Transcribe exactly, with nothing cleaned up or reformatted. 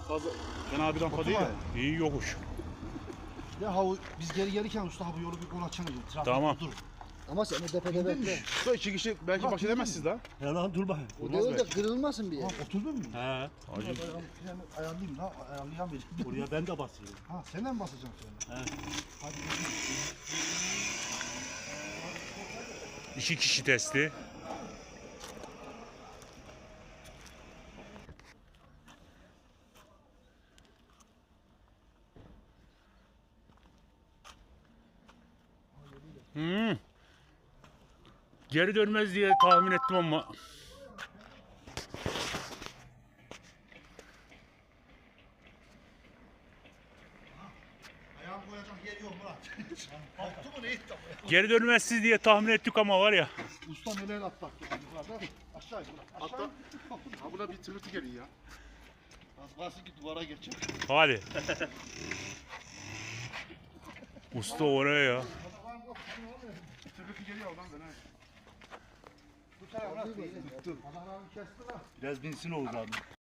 fazla fena bir rampa Otur değil var. ya. İyi yokuş. Ya ha biz geri gelirken usta ha bu yolu bir kol açana diyor. Trafik Tamam. durur. Ama sen o tepede Bindin mi? bekle. Usta iki kişi belki Bak, baş edemezsiniz daha. He lan dur bakayım. O Olmaz değil de belki. kırılmasın bir Ha yer. oturdun mu? He. Hacı. Ben freni ayarlayayım la ayarlayamayacağım. Oraya ben de basayım. Ha sen de mi basacaksın freni? He. Hadi. İki kişi testi. Hmm. Geri dönmez diye tahmin ettim ama. Ayağımı koyacağım yer yok Murat. Kalktı mı ne etti ama? Geri dönmezsiz diye tahmin ettik ama var ya. Usta neler atlattı yukarıda. Aşağı yukarı. Aşağı. Ha buna bir tırtı geliyor ya. Az kalsın ki duvara geçecek. Hadi. Usta oraya ya. Tırtı geliyor oradan ben. Bu tarafa. Adamları kesti lan. Biraz binsin Oğuz abi.